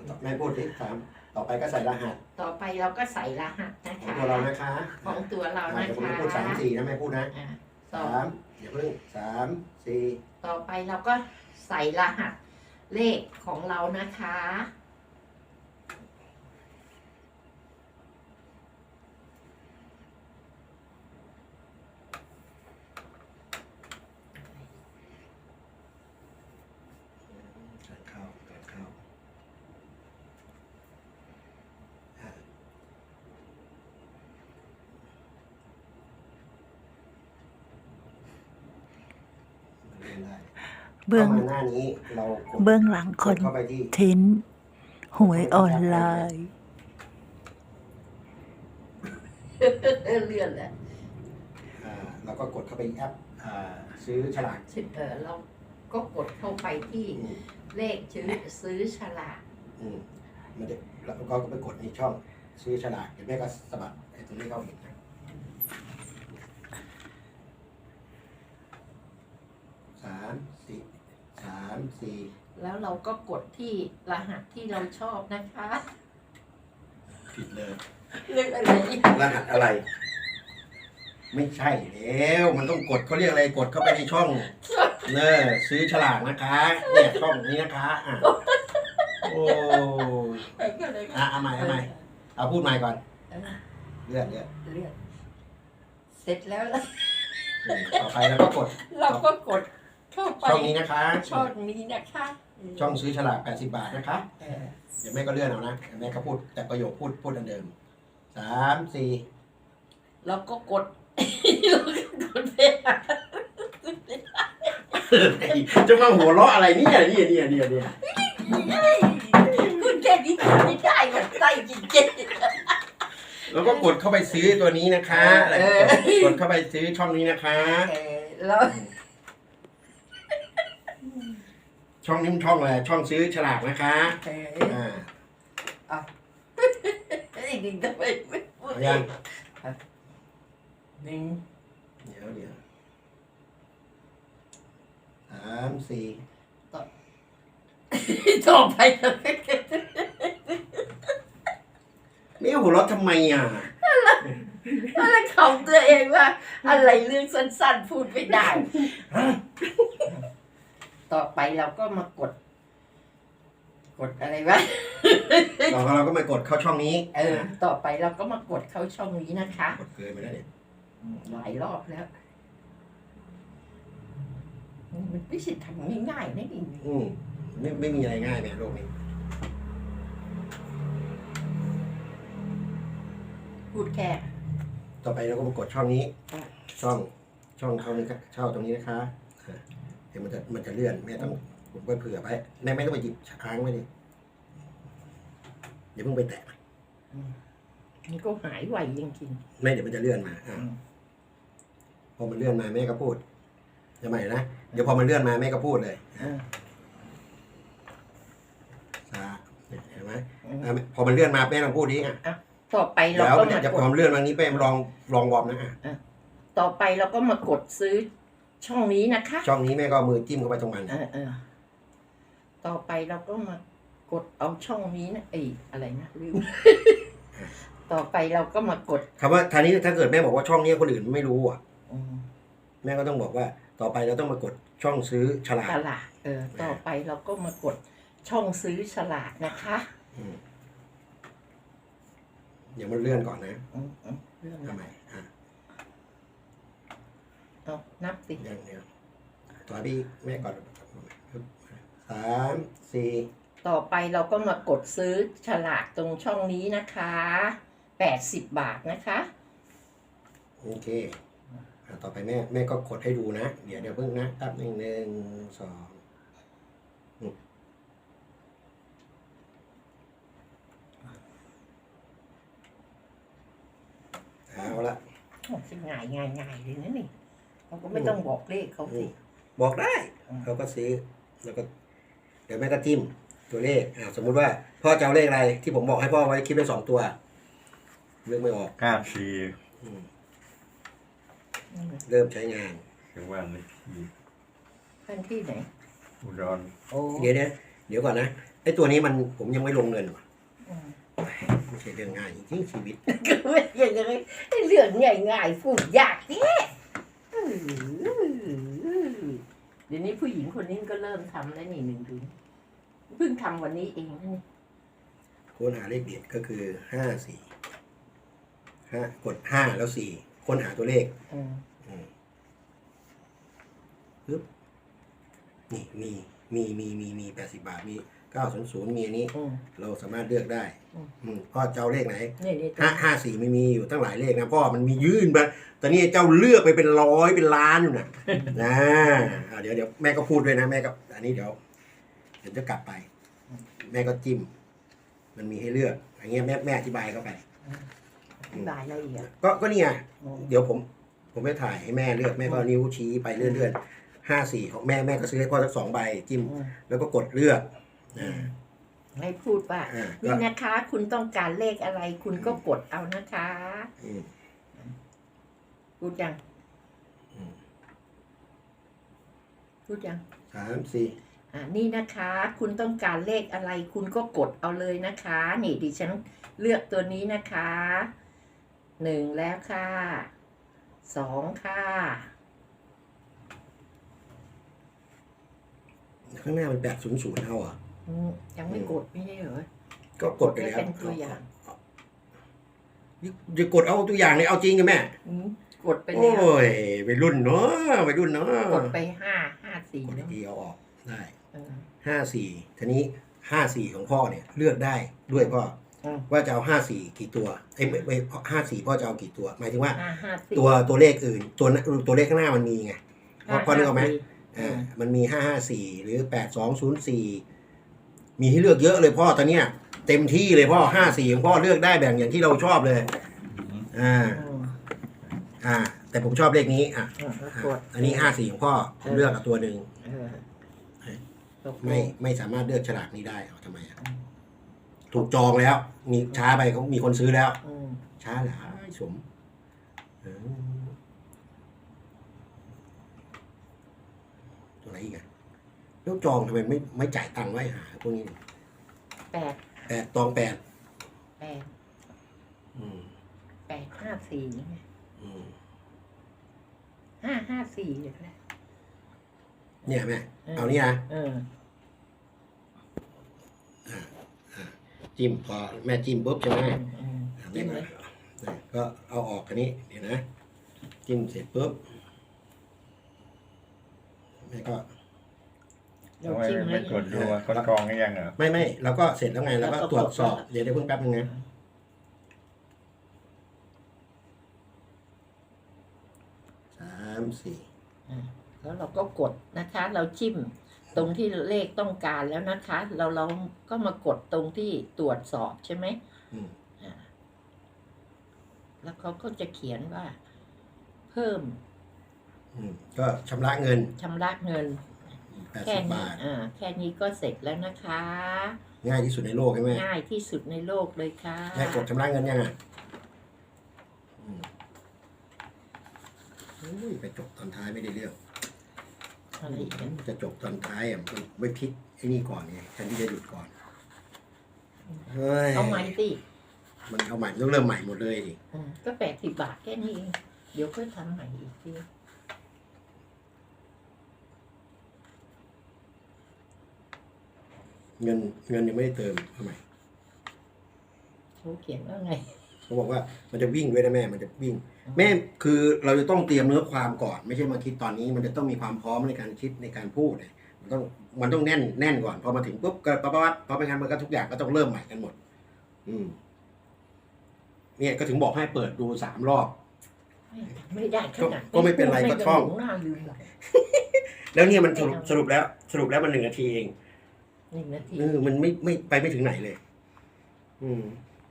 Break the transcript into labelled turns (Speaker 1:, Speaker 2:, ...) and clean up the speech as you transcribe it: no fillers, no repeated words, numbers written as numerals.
Speaker 1: แม่พูดที่สามต่อไปก็ใส่รหัส
Speaker 2: ต่อไปเราก็ใส่รหัสนะ
Speaker 1: ของ
Speaker 2: คะ
Speaker 1: ตัวเรานะคะ
Speaker 2: ของตัวเรานะ
Speaker 1: เดี๋ยวผม
Speaker 2: คะ
Speaker 1: พูดสามสี่นะแม่พูดนะ
Speaker 2: ต่อ
Speaker 1: สามอย่าเพิ่งสามสี่
Speaker 2: ต่อไปเราก็ใส่รหัสเลขของเรานะคะ
Speaker 1: เข้า
Speaker 3: เบื้อง
Speaker 1: หน้านี้เรากด
Speaker 3: เบื้องหลังคอน
Speaker 1: เข้าไปที่
Speaker 3: เทนต์หวยออนไลน์
Speaker 2: เลื่อนแล้ว
Speaker 1: เราก็กดเข้าไปแอปซื้อฉลาก
Speaker 2: เราก็กดเข้าไปที่เลขซื้อฉลาก
Speaker 1: มันจะแล้วก็ไปกดในช่องซื้อฉลากเดี๋ยวแม่ก็สะบัดไอ้ตรงนี้เข้าเห็นนะสามสี่
Speaker 2: แล้วเราก็กดที่รหัสที่เราชอบนะคะ
Speaker 1: ผิดเลย
Speaker 2: เรื่องอะไร
Speaker 1: รหัสอะไร ไม่ใช่แล้วมันต้องกดเขาเรียกอะไรกดเข้าไปในช่องเนอซื้อฉลากนะคะเนี่ยช่องนี้นะคะโอ้เอาใหม่เอาพูดใหม่ก่อนเลื่อน
Speaker 2: เลื่อนเสร็จแล้ว
Speaker 1: ต่อไปแล้วก็กด
Speaker 2: เราก็กดเข้าไป
Speaker 1: ช่องนี้นะคะ
Speaker 2: ช่องนี้นะคะ
Speaker 1: ช่องซื้อฉลาก80 บาทนะคะเดี๋ยวแม่ก็เลื่อนเอานะเดี๋ยวแม่ก็พูดแต่ประโยคพูดอันเดิม3 4
Speaker 2: เราก็กด เราก็กดไปหา
Speaker 1: จะมาหัวเราะอะไรเนี่ย
Speaker 2: คุณแค่นี้ทำไม่ได้หรอกใจจริง
Speaker 1: แล้วก็กดเข้าไปซื้อตัวนี้นะคะกดเข้าไปซื้อช่องนี้นะคะ
Speaker 2: ๆแล้ว
Speaker 1: ช่องนี้มันช่องอะไรช่องซื้อฉลากนะคะ
Speaker 2: จริงๆทำไมไม่พูด
Speaker 1: เอายัง
Speaker 2: หนึ่ง
Speaker 1: เดี๋ยว3 4
Speaker 2: ต่อไป
Speaker 1: ไม่หัวเราะทำไมอ่ะ
Speaker 2: อะไรของตัวเองว่า อะไรเรื่องสั้นๆพูดไม่ได้ ต่อไปเราก็มากดอะไรวะ
Speaker 1: เราก็มากดเข้าช่องนี้
Speaker 2: ต่อไปเราก็มากดเข้าช่องนี้นะคะ
Speaker 1: กดเกินไปแล้วเนี่ย
Speaker 2: หลายรอบแล้วมันไม่ใช่ทำง่ายๆนะนี่
Speaker 1: ไม่มีอะไรง่ายแม่โลกนี้
Speaker 2: พูดแค่
Speaker 1: ต่อไปเราก็มากดช่องนี้ ช่องเขานี้เช่าตรงนี้นะคะเดี๋ยวมันจะเลื่อนแม่ต้องผมก็เผื่อไว้แม่ไม่ต้องไปหยิบค้างไว้ดิอย่าเพิ่งไปแตะ
Speaker 2: มันก็หายไวจริง
Speaker 1: แม่เดี๋ยวมันจะเลื่อนมาพอมันเลื่อนมาแม่ก็พูดจะใหม่นะเดี๋ยวพอมันเลื่อนมาแม่ก็พูดเลยเห็นไหมพอมันเลื่อนมาแม่ลองพูดดิ
Speaker 2: ต่อไปเรา
Speaker 1: แล้ว
Speaker 2: ก็มา
Speaker 1: จะ
Speaker 2: ก
Speaker 1: พ
Speaker 2: ด
Speaker 1: อมันเลื่อนมานี้แม่ลองวอร์มนะ
Speaker 2: ต่อไปเราก็มากดซื้อช่องนี้นะคะ
Speaker 1: ช่องนี้แม่ก็เอามือจิ้มเข้าไปตรงมัน
Speaker 2: ต่อไปเราก็มากดเอาช่องนี้นะอะไรนะลืม ต่อไปเราก็มากด
Speaker 1: คำว่าทางนี้ถ้าเกิดแม่บอกว่าช่องนี้คนอื่นไม่รู้อ่ะแม่ก็ต้องบอกว่าต่อไปเราต้องมากดช่องซื้อฉลาก
Speaker 2: ต่อไปเราก็มากดช่องซื้อฉลากนะคะ
Speaker 1: เดี๋ยวมันเลื่อนก่อนนะ
Speaker 2: เรื่อง
Speaker 1: ทำไม
Speaker 2: เอานับสิ
Speaker 1: เดี๋ยวต่อพี่แม่ก่อน3 4
Speaker 2: ต่อไปเราก็มากดซื้อฉลากตรงช่องนี้นะคะ80 บาทนะคะ
Speaker 1: โอเคต่อไปแม่ก็กดให้ดูนะเดี๋ยวเพิ่งนะแป๊บนึง1 2เอาละ
Speaker 2: ง่ายเลยนะนี่เราก็ไม่ต้องบอกเลขเขาสิ
Speaker 1: บอกได้เขาก็ซื้อแล้วก็เดี๋ยวแม่ก็จิ้มตัวเลขสมมุติว่าพ่อจะเอาเลขอะไรที่ผมบอกให้พ่อไว้คลิปได้2 ตัวเลือกไม่ออก
Speaker 4: 94
Speaker 1: เริ่มใช้งาน
Speaker 4: ถึงวันเลขที่
Speaker 2: ท่านที่ไหน
Speaker 4: อุดร
Speaker 2: โอ้
Speaker 1: เดี๋ยวก่อนนะไอ้ตัวนี้มันผมยังไม่ลงเงินว่ะ
Speaker 2: อืม
Speaker 1: ไม่ใช่เรื่องง่ายจริงๆชีวิต
Speaker 2: ก็ไม่ยังไงเรื่องง่ายๆพูดยากเนี่ยเดี๋ยวนี้ผู้หญิงคนนี้ก็เริ่มทำแล้วนี่1 ถึงเพิ่งทำวันนี้เองนะนี่
Speaker 1: ค้นหาเลขเด็ดก็คือกด5แล้ว4ค้นหาตัวเลข
Speaker 2: อืม
Speaker 1: ปึ๊บนี่มี80 บาทมี900มีอันนี้
Speaker 2: อืม
Speaker 1: เราสามารถเลือกได้ พ่อเจ้าเลขไหน
Speaker 2: นี่
Speaker 1: 54ไม่มีอยู่ตั้งหลายเลขนะพ่อมันมียื่นมาตอนนี้เจ้าเลือกไปเป็น100เป็นล้านอยู่นะเดี๋ยวแม่ก็พูดด้วยนะแม่ก็อันนี้เดี๋ยวจะกลับไป แม่ก็จิ้ม มันมีให้เลือกอย่างเงี้ยแม่อธิบายเข้าไป
Speaker 2: อธิบายละเอียด
Speaker 1: ก็นี่ไง
Speaker 2: อืม
Speaker 1: เดี๋ยวผมไม่ถ่ายให้แม่เลือกแม่ก็นิ้วชี้ไปเรื่อยๆ54ของแม่ก็ซื้อให้พ่อสัก2 ใบจิ้ม
Speaker 2: อืม
Speaker 1: แล้วก็กดเลือกอ่า
Speaker 2: ให้พูดว่า
Speaker 1: ก็
Speaker 2: นี่นะคะ คุณต้องการเลขอะไร คุณก็กดเอานะคะ
Speaker 1: อืม
Speaker 2: พูดยัง
Speaker 1: อืม
Speaker 2: พูดยัง
Speaker 1: 3
Speaker 2: นี่นะคะ คุณต้องการเลขอะไร คุณก็กดเอาเลยนะคะ นี่ดิฉันเลือกตัวนี้นะคะ1แล้วค่ะ2ค่ะ
Speaker 1: 4ข้างหน้ามัน800เอาเหรอ
Speaker 2: ยังไม่กดไม่ใช่เหรอ
Speaker 1: ก็กดไปแล้ว
Speaker 2: เป็นตัวอย่าง
Speaker 1: จะกดเอาตัวอย่างเลยเอาจริงกันแม่
Speaker 2: กดไป
Speaker 1: โอ้
Speaker 2: แล้ว
Speaker 1: ยวัยรุ่นเนาะวัยรุ่นเนาะ
Speaker 2: กดไป5
Speaker 1: กด
Speaker 2: 4เนาะ
Speaker 1: ทีเอาออกได้
Speaker 2: เออ
Speaker 1: 54ทีนี้54ของพ่อเนี่ยเลือกได้ด้วยพ่อ
Speaker 2: อืม
Speaker 1: ว่าจะเอา54กี่ตัวไม่54พ่อจะเอากี่ตัว หมายถึงว่า
Speaker 2: 5 4
Speaker 1: ตัวเลขอื่นตัวเลขข้างหน้ามันมีไงพ่อนึกออกไหมมันมี554หรือ8204มีให้เลือกเยอะเลยพ่อตอนเนี้ยเต็มที่เลยพ่อ54ของพ่อเลือกได้แบ่งอย่างที่เราชอบเลยแต่ผมชอบเลขนี้อันนี้54ของพ่อผมเลือกเอาตัวหนึ่งไม่สามารถเลือกฉลากนี้ได้เอาทำไมถูกจองแล้ว มีช้าไปเขามีคนซื้อแล้วช้าเหรอสมตัวไหนอีกอะแล้วจองทำไมไม่จ่ายตังค์ไว้หาพวกนี้8ตอง8
Speaker 2: 8 5 4ไง5 5 4เลยนะ
Speaker 1: เนี่ยแม่เอานี่นะจิ้มพอแม่จิ้มปุ๊บใช่ไหมจิ้มเลยก็เอาออกกันนี้เดี๋ยวนะจิ้มเสร็จปุ๊บแม่ก็
Speaker 2: เรา
Speaker 4: ทำไม
Speaker 2: จิ้ม
Speaker 4: ไม่
Speaker 2: แล้ว
Speaker 4: ตรวจดูว่าเขากรองให้ยังเหรอ
Speaker 1: ไม่แล้วก็เสร็จแล้วไงแล้วก็ตรวจสอบเดี๋ยวเพิ่งแป๊บนึงนะ3 4
Speaker 2: แล้วเราก็กดนะคะ เราจิ้มตรงที่เลขต้องการแล้วนะคะ เราก็มากดตรงที่ตรวจสอบใช่ไหมแล้วเขาก็จะเขียนว่า เพิ่ม
Speaker 1: ก็ชำระเงิน แค่
Speaker 2: 80
Speaker 1: นี้
Speaker 2: บาทแค่นี้ก็เสร็จแล้วนะคะ
Speaker 1: ง่ายที่สุดในโลกใช่ไหม
Speaker 2: ง่ายที่สุดในโลกเลยค่ะ
Speaker 1: แค่กดชำระเงินยังไงไปจบตอนท้ายไม่ได้เรื่อง
Speaker 2: อะไรอีกนะ
Speaker 1: จะจบตอนท้ายไม่พลิกไอ้นี่ก่อนไงแทนที่จะหยุดก่อนเฮ้ย
Speaker 2: เอาใหม่สิ
Speaker 1: มันเอาใหม่ต้องเริ่มใหม่หมดเลยดิ
Speaker 2: ก็80 บาทแค่นี้เองเดี๋ยวค่อยทำใหม่อีกที
Speaker 1: เงินยังไม่ได้เติมทำไม
Speaker 2: เขาเขียนว่าไง
Speaker 1: เขาบอกว่ามันจะวิ่งด้วยนะแม่มันจะวิ่ง แม่คือเราจะต้องเตรียมเนื้อความก่อนไม่ใช่มาคิดตอนนี้ มันจะต้องมีความพร้อมในการคิดในการพูดเลยมันต้องแน่นก่อนพอมาถึงปุ๊บก็ปั๊บพอไม่งั้นมันก็ทุกอย่างก็ต้องเริ่มใหม่กันหมดเนี่ยก็ถึงบอกให้เปิดดู3 รอบ
Speaker 2: ไม่ได้ขนาด
Speaker 1: ก็ไม่เป็นไรก็ท่อง
Speaker 2: หน้าลืมหรอก
Speaker 1: แล้วเนี่ยมันสรุปแล้วมัน1 นาทีเอง
Speaker 2: 1 นาที
Speaker 1: มันไม่ไปไม่ถึงไหนเลย